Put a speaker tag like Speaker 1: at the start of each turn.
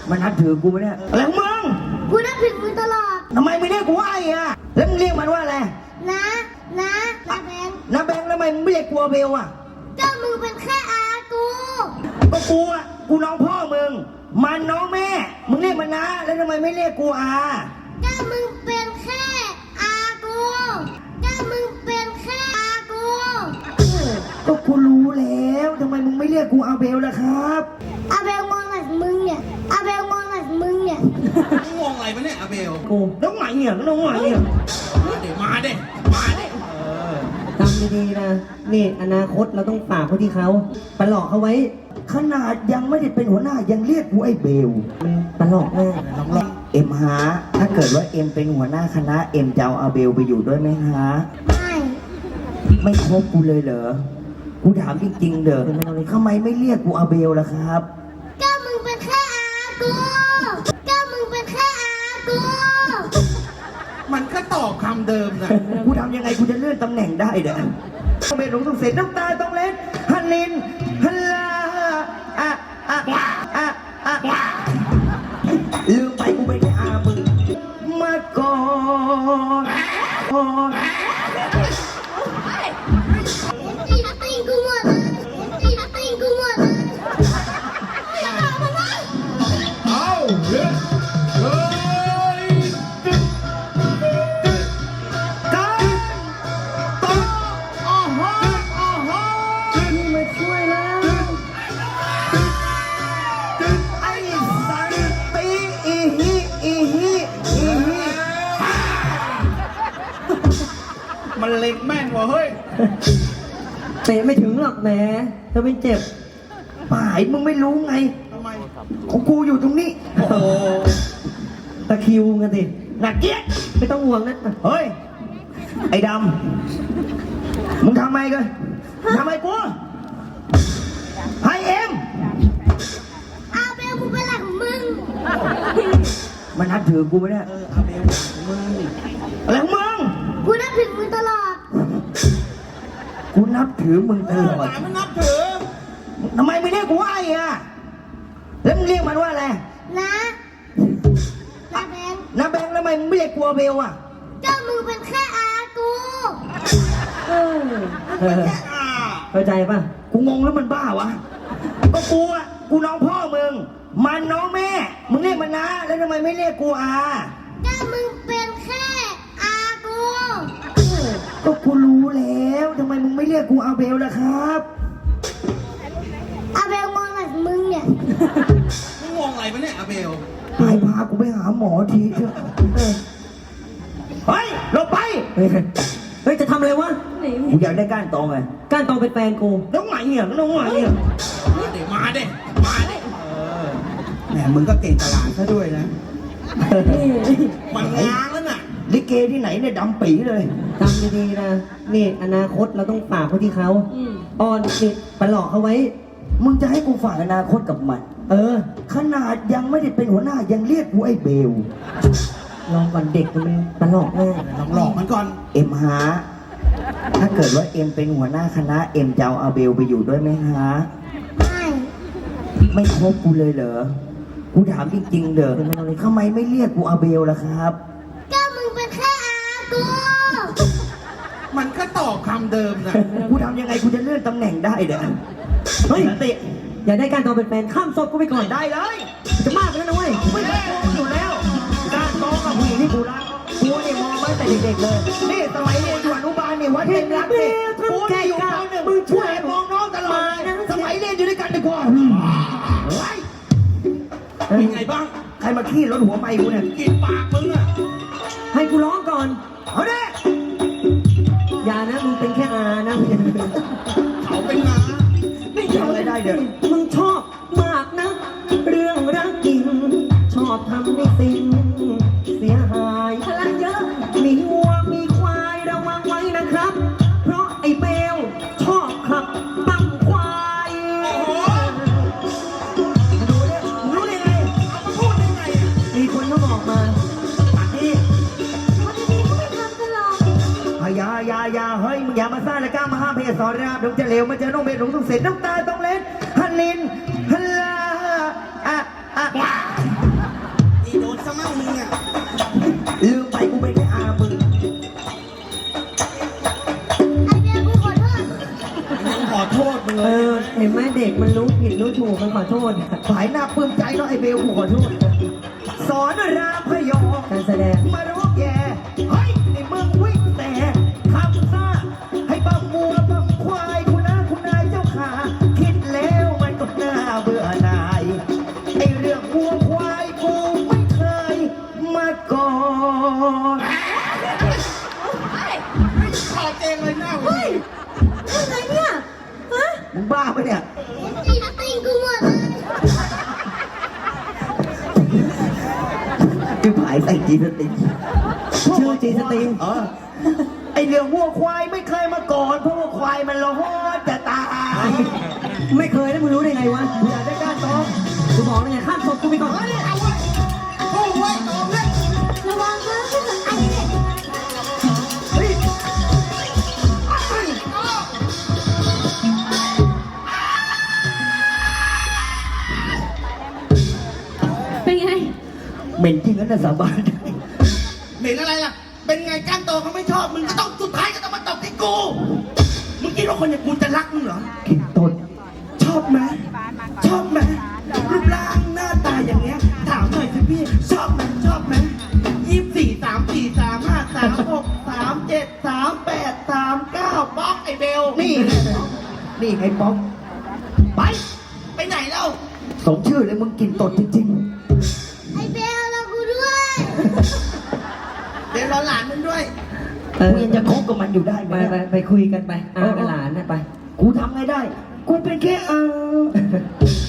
Speaker 1: มันนับถือกูไหมเนี่ยอะไรของมึง
Speaker 2: กูนับถือมึงตลอด
Speaker 1: ทำไมไม่เรียกกูว่าไอ้อะแล้วมึงเรียกมันว่าอะไร
Speaker 2: นะแบงค์
Speaker 1: น้าแบงค์ทำไมมึงไม่เรียกกูเบลอะ
Speaker 2: ก็มึงเป็นแค่อากู
Speaker 1: ก็กูอะกูน้องพ่อมึงมันน้องแม่มึงเรียกมันนะแล้วทำไมไม่เรียกกูอา
Speaker 2: ก็มึงเป็นแค่อากูก็มึงเป็นแค่อากู
Speaker 1: ก็กูรู้แล้วทำไมมึงไม่เรียกกูอาเบลล่ะครับ
Speaker 2: อาเบลงงหลักมึงเนี่ยอาเบลงงหลักมึงเนี่ย
Speaker 3: งงอะไรปะเนี่ยอาเบล
Speaker 1: กูน้องใหม่เนี่ยน้องใหม่เนี่ย
Speaker 3: มาเด้
Speaker 4: จำดีๆนะนี่อนาคตเราต้องฝากไว้ที่เขาไปหลอกเขาไว้
Speaker 1: ขนาดยังไม่ได้เป็นหัวหน้ายังเรียกกูไอ้เบล
Speaker 4: ไปหลอกแน่
Speaker 1: เอ็มฮะถ้าเกิดว่าเอ็มเป็นหัวหน้าคณะเอ็มจะเอาอาเบลไปอยู่ด้วยไหมฮะไม่คบกูเลยเหรอกูถามจริงๆเด้อทำไมไม่เรียกกูอาเบลล่ะครับ
Speaker 2: ก็มึงเป็นแค่อากูก็มึงเป็นแค่อากู
Speaker 3: มันก็ตอบคำเดิมนะ
Speaker 1: กูทำยังไงกูจะเลื่อนตำแหน่งได้เด้อต้องเป็นหลงต้องเสร็จน้ำตาต้องเล็ดฮันลินฮันลาลืมไปกูไม่ได้อามึงมาก่อน
Speaker 2: ตีกูหมดเลยตีกูหมดเลย
Speaker 3: เอาเฮ้ยมันเล็กแม่นวะเฮ้ย
Speaker 4: เตะไม่ถึงหรอกแหมจะเป็นเจ็บ
Speaker 1: ป่ายมึงไม่รู้ไง
Speaker 3: ทำไม
Speaker 1: ของกูอยู่ตรงนี้
Speaker 4: โอ้โหตะคิวกันสิ
Speaker 1: หนักเกี้ย
Speaker 4: ไม่ต้องห่วงนะ
Speaker 1: เฮ้ยไอ้ดำมึงทำไมกันทำไมกูให้เอ็ม
Speaker 2: อาเบลกูเป็นหลักมึง
Speaker 1: มันนับถือกูไหมเนี่ย
Speaker 3: อาเบลมึง
Speaker 1: อะไรของมึง
Speaker 2: กูนับถือมึงตลอด
Speaker 1: กูนับถือมึงตลอด
Speaker 3: มันนับถือ
Speaker 1: ทำไมไม่เรียกกูว่าไอ้อะแล้วมึงเรียกมันว่าอะไร
Speaker 2: นะแบงค์
Speaker 1: น้าแบงค์ทำไมมึงไม่เรียกกูเบลอะ
Speaker 2: ก็มึงเป็นแค่อากู
Speaker 4: เข้าใจป่ะ
Speaker 1: กูงงแล้วมันบ้าวะก็กูอะกูน้องพ่อมึงมันน้องแม่มึงเรียกมันนะแล้วทำไมไม่เรียกกูอา
Speaker 2: ก็มึงเป็นแค่อากู
Speaker 1: ก็กูรู้แล้วทำไมมึงไม่เรียกกูอาเบลล่ะครับ
Speaker 2: อาเบลงงหลักมึงเนี่ย
Speaker 3: งงอะไรปะเนี่ยอาเบล
Speaker 1: พากูไปหาหมอทีเถอะเฮ้ยหลบไป
Speaker 4: เฮ้ยจะทำอะไรวะ
Speaker 1: กูอยากได้ก้านตองไง
Speaker 4: ก้านตองเป็นแฟนกู
Speaker 1: น้องใหม่เนี่ยน้องใหม่เนี่ย
Speaker 3: มาเด้แหมมึงก็เก่งตลาดซะด้วยนะมันง้างแล้วน่ะ
Speaker 1: ลิเกที่ไหนเนี่ยดำปีเลย
Speaker 4: จำดีๆนะนี่อนาคตเราต้องฝากไว้ที่เขาอ้อนนี่ไปหลอกเขาไว้
Speaker 1: มึงจะให้กูฝากอนาคตกับมันขนาดยังไม่ได้เป็นหัวหน้ายังเรียกกูไอ้เบล
Speaker 4: ลองก่อนเด็กมันไปหลอกแน่
Speaker 3: ลองหลอกมันก่อน
Speaker 1: เอ็มฮะถ้าเกิดว่าเอ็มเป็นหัวหน้าคณะเอ็มจะเอาอาเบลไปอยู่ด้วยไหมฮะไม่คบกูเลยเหรอกูถามจริงๆเด้อทำไมไม่เรียกกูอาเบลล่ะครับ
Speaker 2: ก็มึงเป็นแค่อากู
Speaker 3: มันก็ตอบคำเดิมนะ
Speaker 1: กูทำยังไงกูจะเลื่อนตำแหน่งได้เด้อ
Speaker 4: เฮ้ยติอย่าได้การตองเป็นแฟนข้ามศพกูไปก่อน
Speaker 1: ได้เลย
Speaker 4: จะมากแล้วนะเว้ย
Speaker 1: ไม่ได้โกงอยู่แล้วการตองกับผู้หญิงที่กูรักกูเนี่ยมองมาแต่เด็กๆเลยนี่สมัยเรียนอยู่อนุบาลเนี่ยวัดเต็มรักเนี่ยกูเนี่ยอยู่ป .1 มึงช่วยมองน้องตลอดสมัยเรียนอยู่ด้วยกันดีกว่า
Speaker 3: เป็นไงบ้าง
Speaker 1: ใครมาขี้รถหัวไปกูเนี่ย
Speaker 3: กินปากมึงอ่ะ
Speaker 4: ให้กูร้องก่อน
Speaker 1: เอาดิ
Speaker 4: อย่านะมึงเป็นแค่อานะ
Speaker 3: เขาเป็นนา
Speaker 4: ไม่ทำอะไรได้เด้อมึงชอบมากนะเรื่องรักจริงชอบทำในสิ่งเสียหายพลังเยอะมีวัวมีควายระวังไว้นะครับเพราะไอ้เบลชอบขับตั้งควาย
Speaker 1: รู้ได้ไง
Speaker 3: เอามาพูดได้ไง
Speaker 4: มีคนเขาบอกมา
Speaker 1: นี่
Speaker 2: วันนี้เขาไม่ทำกันหรอก
Speaker 1: อย่าเฮ้ยมึงอย่ามาสร้างและกล้ามาห้ามเพศสอนนะครับเดี๋ยวจะเลวมันจะน้องเบลหลงต้องเสร็จน้ำตาต้องเล็ดฮันลินฮันลา
Speaker 3: มั่งมึงอ่ะ
Speaker 1: ลืมไปกูเป็นแค่อามึง
Speaker 2: ไอเบลกูขอโทษ
Speaker 3: ยังขอโทษมึง
Speaker 4: เอ
Speaker 3: เลย
Speaker 4: อ เห็นไหมเด็กมันรู้ผิดรู้ถูกมันขอโทษ
Speaker 1: สายหน้าปลื้มใจเนาะไอเบลกูขอโทษสอนรามพยอง
Speaker 4: การแสดง
Speaker 1: มาร้องแย่เฮ้ยในเมืองวิ่งแต่ทำซ่าให้บังมัวบังควายคุณน้าคุณนายเจ้าขาคิดแล้วมันก็น่าเบื่อหน่ายไอเรื่องวัวควายกูไม่เคยมาก่อน
Speaker 3: ขอเองเลยหน้าเว้ย
Speaker 2: ยังไงเนี่ยฮะ
Speaker 1: มึงบ้าปะเนี่ย
Speaker 2: ตีนติงกูหมดเลย
Speaker 1: คือผายใส่จีสติง
Speaker 4: ชื่อจีสติง
Speaker 1: ไอเรื่องวัวควายไม่เคยมาก่อนเพราะว่าควายมันร้อนจะตาย
Speaker 4: ไม่เคยแล้วมึงรู้ได้ไงวะ
Speaker 1: อยากได้ก้านตอง
Speaker 4: กูบอกแล้วไงข้ามศพกูไปก่อน
Speaker 3: โอ้ยตอบเลย
Speaker 2: ระวังนะไอเด็ก
Speaker 1: เฮ้ย
Speaker 2: เป็นไง
Speaker 1: เหม็นจริงนะสาบาน
Speaker 3: เหม็นอะไรล่ะ เป็นไงก้านโตเขาไม่ชอบ มึงก็ต้องสุดท้ายก็ต้องมาตบที่กู มึงคิดว่าคนอย่างกูจะรักมึงเหรอ
Speaker 1: กินต้น
Speaker 3: ชอบไหมชอบไหมรูปร่างหน้าตาอย่างเงี้ย ถามหน่อยสิพี่ ชอบไหมชอบไหม24 34 35 36 37 38 39บล็อกไอ้เบล
Speaker 1: นี่ไงนี่ไงป๊อก
Speaker 3: ไป ไปไหนแล้ว
Speaker 1: สมชื่อเลยมึงกินตดจริง
Speaker 2: ไอเบลเรากูด้วย
Speaker 3: เดี๋ยวรอหลานมึงด้วย
Speaker 1: ๆ
Speaker 4: เออ
Speaker 1: กูยังจะคบกับมันอยู่ได้ไห
Speaker 4: ไป
Speaker 1: ม
Speaker 4: ไปคุยกันไปอากับหลานนะไป
Speaker 1: กูทำไงได้ กูเป็นแค่อา